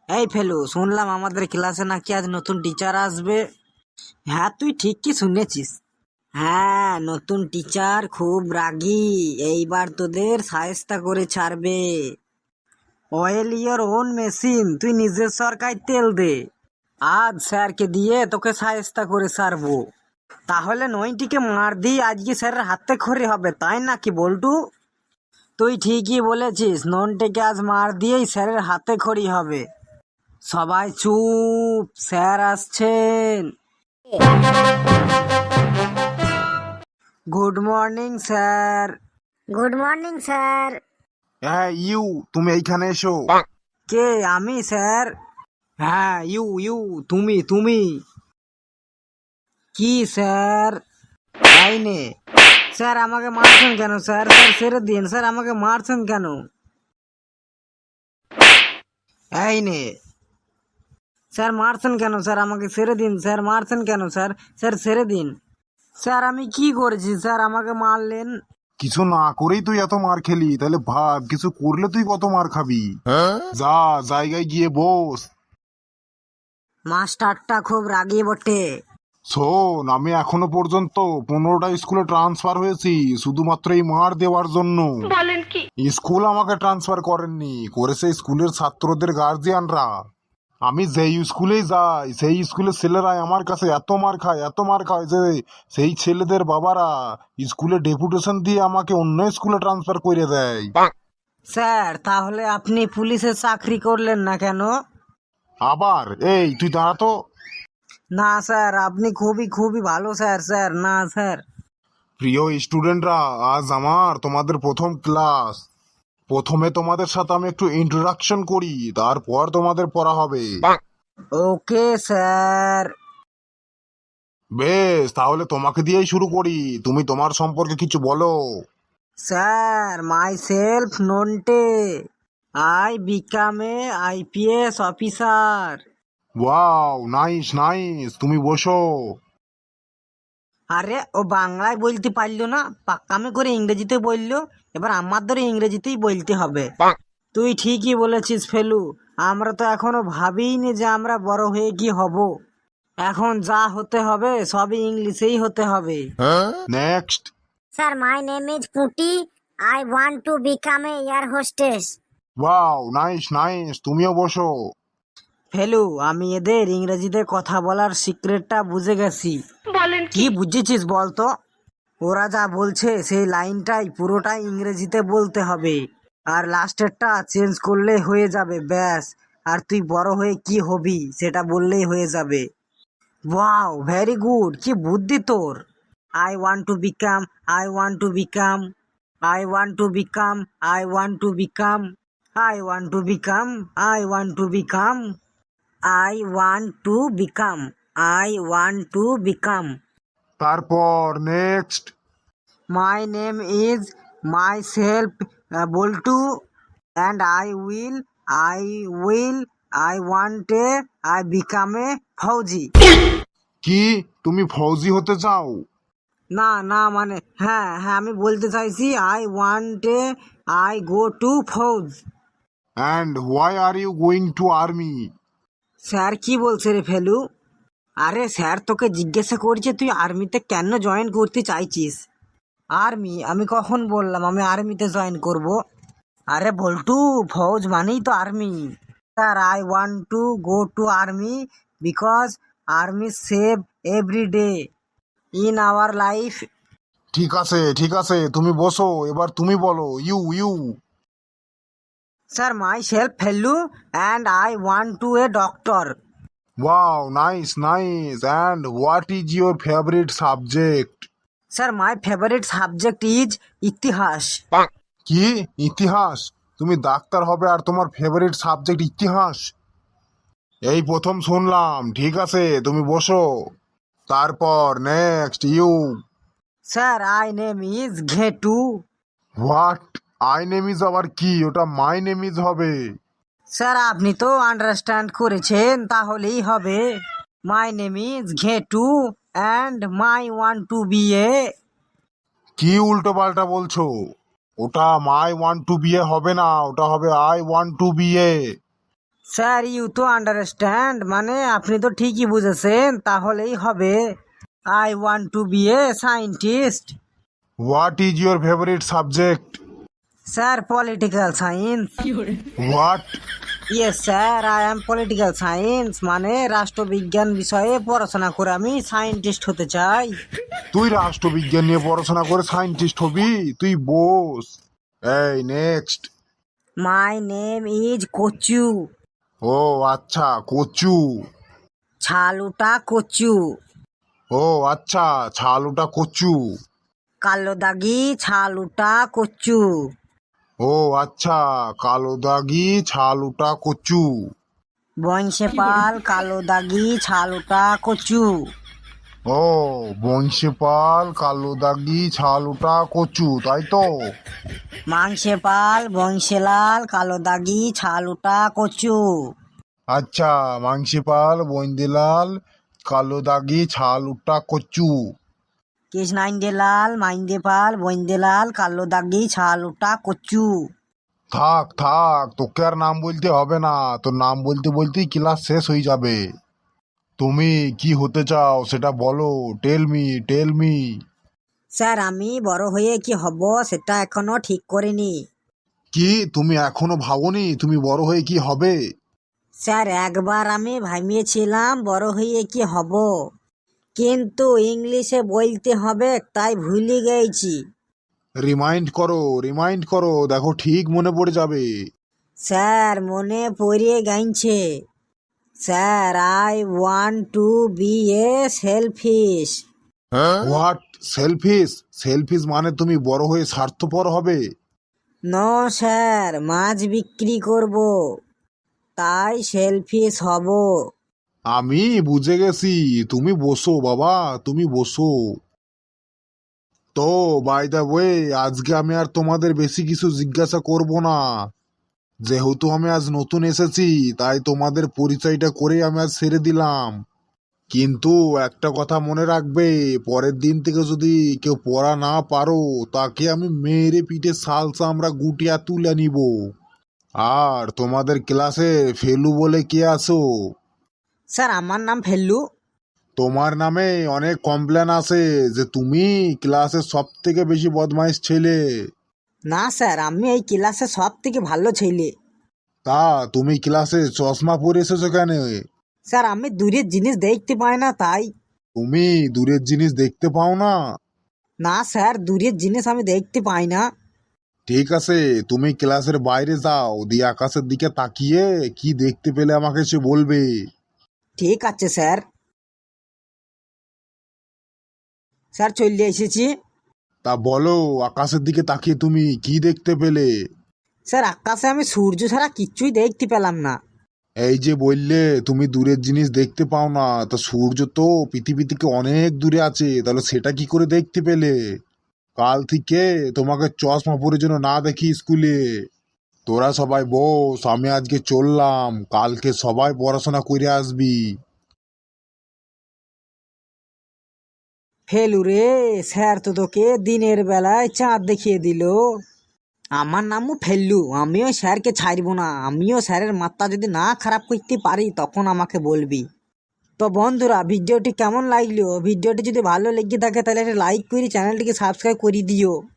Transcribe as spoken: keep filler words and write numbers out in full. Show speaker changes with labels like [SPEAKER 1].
[SPEAKER 1] এই ফেলু, শুনলাম আমাদের ক্লাসে নাকি আজ নতুন টিচার আসবে। হ্যাঁ, তুই ঠিক কি শুনেছিস। হ্যাঁ, নতুন টিচার খুব রাগী। এইবার তোদের শায়েস্তা করে ছাড়বে। অয়েল ইয়োর ওন মেশিন, তুই নিজের সরকায় তেল দে। আজ স্যারকে দিয়ে তোকে শায়েস্তা করে ছাড়বো। তাহলে নইটিকে মার দিয়ে আজকে স্যারের হাতে খড়ি হবে, তাই নাকি বল্টু? তুই ঠিকই বলেছিস, ননটিকে আজ মার দিয়েই স্যারের হাতে খড়ি হবে। সবাই চুপ, স্যার আসছেন। Good morning sir.
[SPEAKER 2] Good morning sir.
[SPEAKER 3] হ্যাঁ ইউ, তুমি এইখানে এসো।
[SPEAKER 1] কে? আমি স্যার? হ্যাঁ, ইউ ইউ, তুমি তুমি কি স্যার? তাই নে। স্যার আমাকে মারছেন কেন স্যার? স্যার ছেড়ে দিন স্যার, আমাকে মারছেন কেন? এই নে। স্যার মারছেন কেন স্যার? আমাকে ছেড়ে দিন স্যার, মারছেন কেন স্যার? স্যার ছেড়ে দিন। স্যার আমি কি করেছি স্যার আমাকে মারলেন?
[SPEAKER 3] কিছু না করেই তুই এত মার খেলি, তাহলে ভাব কিছু করলে তুই কত মার খাবি। যা জায়গায় গিয়ে বস।
[SPEAKER 1] মাস্টারটা খুব রাগী বটে।
[SPEAKER 3] শোন, আমি এখনো পর্যন্ত পনেরোটা স্কুলে ট্রান্সফার হয়েছি শুধুমাত্র এই মার দেওয়ার জন্য।
[SPEAKER 2] বলেন কি?
[SPEAKER 3] স্কুল আমাকে ট্রান্সফার করেননি, করেছে স্কুলের ছাত্রদের গার্জিয়ানরা। আমি যেই স্কুলেই যাই সেই স্কুলের ছেলেরা আমার কাছে এত মার খায় এত মার খায় যে সেই ছেলেদের বাবারা স্কুলে ডেপুটেশন দিয়ে আমাকে অন্য স্কুলে ট্রান্সফার করে দেয়।
[SPEAKER 1] স্যার তাহলে আপনি পুলিশে চাকরি করলেন না কেন?
[SPEAKER 3] আবার এই তুই দাঁড়াতো।
[SPEAKER 1] না স্যার, আপনি খুবই খুবই ভালো স্যার। স্যার না স্যার।
[SPEAKER 3] প্রিয় স্টুডেন্টরা, আজ আমার তোমাদের প্রথম ক্লাস। প্রথমে তোমাদের সাথে আমি একটু ইন্ট্রোডাকশন করি, তারপর তোমাদের পড়া হবে।
[SPEAKER 1] Okay sir.
[SPEAKER 3] বেশ, তাহলে তোমাকে দিয়েই শুরু করি। তুমি তোমার সম্পর্কে কিছু বলো।
[SPEAKER 1] Sir my self Nonte, I become a IPS officer.
[SPEAKER 3] Wow, nice nice, তুমি বসো।
[SPEAKER 1] আরে ও বাংলায় বলতে পারলো না, পাক্কামে করে ইংরেজিতে বললো। এবার আমাদের ইংরেজিতেই বলতে হবে। তুই ঠিকই বলেছিস ফেলু, আমরা তো এখনো ভাবিনি যে আমরা বড় হয়ে কি হব। এখন যা হতে হবে সবই ইংলিশেই হতে হবে।
[SPEAKER 3] Next.
[SPEAKER 2] Sir my name is পুটি, I want to become a air hostess.
[SPEAKER 3] Wow, nice nice, তুমিও বসো।
[SPEAKER 1] ফেলু, আমি এদের ইংরেজিতে কথা বলার সিক্রেটটা বুঝে গেছি।
[SPEAKER 2] বলেন
[SPEAKER 1] কি বুঝেছিস বলতো? ওরা যা বলছে সেই লাইনটাই পুরোটাই ইংরেজিতে বলতে হবে, আর লাস্টেরটা চেঞ্জ করলে হয়ে যাবে ব্যাস। আর তুই বড় হয়ে কি হবি সেটা বললেই হয়ে যাবে। ওয়াও, ভেরি গুড, কি বুদ্ধি তোর। I want to become, I want to become, I want to become, I want to become, I want to become, I want to become, I want to become, I want to become.
[SPEAKER 3] তারপর next.
[SPEAKER 1] My name is myself, uh, Boltu, and I will, I will, I want a, I become a ফৌজি।
[SPEAKER 3] কি, তুমি ফৌজি হতে চাও?
[SPEAKER 1] না না, মানে হ্যাঁ হ্যাঁ, আমি বলতে চাইছি I want a, I go to ফৌজ।
[SPEAKER 3] And why are you going to army?
[SPEAKER 1] Sir কি বলছে রে ফেলু? আরে স্যার তোকে জিজ্ঞাসা করছে তুই আর্মিতে কেন জয়েন করতে চাইছিস। আর্মি? আমি কখন বললাম আমি আর্মিতে জয়েন করব? আরে বল্টু, ফৌজ মানেই তো army. Sir I want to go to army because army save every day in our life.
[SPEAKER 3] ঠিক আছে ঠিক আছে, তুমি বসো, এবার তুমি বলো। You you.
[SPEAKER 1] Sir my self Felu, and I want to a doctor.
[SPEAKER 3] Wow, nice nice, and what is your favourite subject?
[SPEAKER 1] Sir my favourite subject is ইতিহাস।
[SPEAKER 3] কি, ইতিহাস? তুমি ডাক্তার হবে আর তোমার ফেভারিট সাবজেক্ট ইতিহাস? এই প্রথম শুনলাম। ঠিক আছে, তুমি বসো। তারপর next, you.
[SPEAKER 1] Sir I name is ঘেটু।
[SPEAKER 3] What? I name is আবার কি? ওটা মাই নেম ইজ হবে।
[SPEAKER 1] স্যার আপনি তো আন্ডারস্ট্যান্ড করেছেন, তাহলেই হবে। My name is ঘেটু and my want to B A.
[SPEAKER 3] কি উল্টো পাল্টা বলছো? ওটা মাই ওয়ান্ট টু বি এ হবে না, ওটা হবে I want to B A.
[SPEAKER 1] Sir you তো আন্ডারস্ট্যান্ড মানে আপনি তো ঠিকই বুঝেছেন, তাহলেই হবে। I want to B A scientist.
[SPEAKER 3] What is your favourite subject?
[SPEAKER 1] Sir political science.
[SPEAKER 3] What?
[SPEAKER 1] Yes sir, I am political science, মানে রাষ্ট্রবিজ্ঞান বিষয়ে পড়াশোনা করে আমি সায়েন্টিস্ট হতে চাই।
[SPEAKER 3] তুই রাষ্ট্রবিজ্ঞান নিয়ে পড়াশোনা করে সায়েন্টিস্ট হবি? তুই বোস। এই নেক্সট।
[SPEAKER 1] মাই নেম ইজ কচু।
[SPEAKER 3] ও আচ্ছা, কচু।
[SPEAKER 1] ছালুটা কচু।
[SPEAKER 3] ও আচ্ছা, ছালুটা কচু।
[SPEAKER 1] কালো দাগি ছালুটা কচু।
[SPEAKER 3] ও আচ্ছা, কালো দাগি ছালুটা কচু।
[SPEAKER 1] বংশেপাল কালো দাগি ছালুটা কচু।
[SPEAKER 3] ও বংশীপাল কালো দাগি ছালুটা কচু, তাই তো?
[SPEAKER 1] মাংসেপাল বংশেলাল কালো দাগি ছালুটা কচু।
[SPEAKER 3] আচ্ছা, মাংসীপাল বন্দিলাল কালো দাগি ছালুটা কচু।
[SPEAKER 1] কৃষ্ণাইন্দেলাল মাইন্দেপাল বন্দেলাল কালো দাগি ছালুটা কচু।
[SPEAKER 3] থাক থাক, তোকে আর নাম বলতে হবে না, তোর নাম বলতে বলতেই ক্লাস শেষ হয়ে যাবে। তুমি কি হতে চাও সেটা বলো, tell me tell me.
[SPEAKER 1] Sir আমি বড় হয়ে কি হব সেটা এখনো ঠিক করিনি।
[SPEAKER 3] কি তুমি এখনো ভাবোনি তুমি বড় হয়ে কি হবে?
[SPEAKER 1] স্যার একবার আমি ভাবিয়েছিলাম বড় হয়ে কি হব, কিন্তু ইংলিশে বলতে হবে তাই ভুলে গেছি।
[SPEAKER 3] রিমাইন্ড করো রিমাইন্ড করো, দেখো ঠিক মনে পড়ে যাবে।
[SPEAKER 1] স্যার মনে পড়ে গেছে। Sir I want to B a selfish.
[SPEAKER 3] What? Shellfish? Shellfish মানে তুমি বড় হয়ে স্বার্থপর হবে?
[SPEAKER 1] নো স্যার, মাছ বিক্রি করব, তাই সেলফিশ হব।
[SPEAKER 3] আমি বুঝে গেছি, তুমি বসো বাবা, তুমি বসো। তো বাই দ্য ওয়ে, আজকে আমি আর তোমাদের বেশি কিছু জিজ্ঞাসা করব না। যেহেতু আমি আজ নতুন এসেছি, তাই তোমাদের পরিচয়টা করেই আমি আজ ছেড়ে দিলাম। কিন্তু একটা কথা মনে রাখবে, পরের দিন থেকে যদি কেউ পড়া না পারো, তাকে আমি মেরে পিঠে শাল চামড়া গুটিয়া তুলে নিব। আর তোমাদের ক্লাসে ফেলু বলে কে আছো?
[SPEAKER 1] স্যার আমার নাম ফেল্লু।
[SPEAKER 3] তোমার নামে অনেক কমপ্লেন আছে যে তুমি ক্লাসের সব থেকে বেশি বদমাইশ ছেলে।
[SPEAKER 1] না স্যার, আমি এই ক্লাসে সব থেকে ভালো ছেলে।
[SPEAKER 3] তা তুমি ক্লাসে চশমা পরে এসেছো কেন?
[SPEAKER 1] স্যার আমি দূরের জিনিস দেখতে পাই না তাই।
[SPEAKER 3] তুমি দূরের জিনিস দেখতে পাও না?
[SPEAKER 1] না স্যার, দূরের জিনিস আমি দেখতে পাই না।
[SPEAKER 3] ঠিক আছে, তুমি ক্লাসের বাইরে যাও, দিয়ে আকাশের দিকে তাকিয়ে কি দেখতে পেলে আমাকে সে বলবে।
[SPEAKER 1] ঠিক আছে স্যার। স্যার চলে এসেছি।
[SPEAKER 3] তা বলো, আকাশের দিকে তাকিয়ে তুমি কি দেখতে পেলে?
[SPEAKER 1] স্যার আকাশে আমি সূর্য ছাড়া কিচ্ছুই দেখতে পেলাম না।
[SPEAKER 3] এই যে বললে তুমি দূরের জিনিস দেখতে পাও না, তা সূর্য তো পৃথিবী থেকে অনেক দূরে আছে, তাহলে সেটা কি করে দেখতে পেলে? কাল থেকে তোমাকে চশমা পরে যেন না দেখি স্কুলে। তোরা সবাই বস, আমি আজকে চললাম, কালকে সবাই পড়াশোনা করে আসবি।
[SPEAKER 1] ফেলু রে, স্যার তো তোকে দিনের বেলায় চাঁদ দেখিয়ে দিল। আমার নামও ফেললু, আমিও স্যারকে ছাড়বো না, আমিও স্যারের মাথা যদি না খারাপ করতে পারি তখন আমাকে বলবি। তো বন্ধুরা, ভিডিওটি কেমন লাগলো? ভিডিওটি যদি ভালো লেগে থাকে তাহলে একটা লাইক করে চ্যানেলটিকে সাবস্ক্রাইব করে দিও।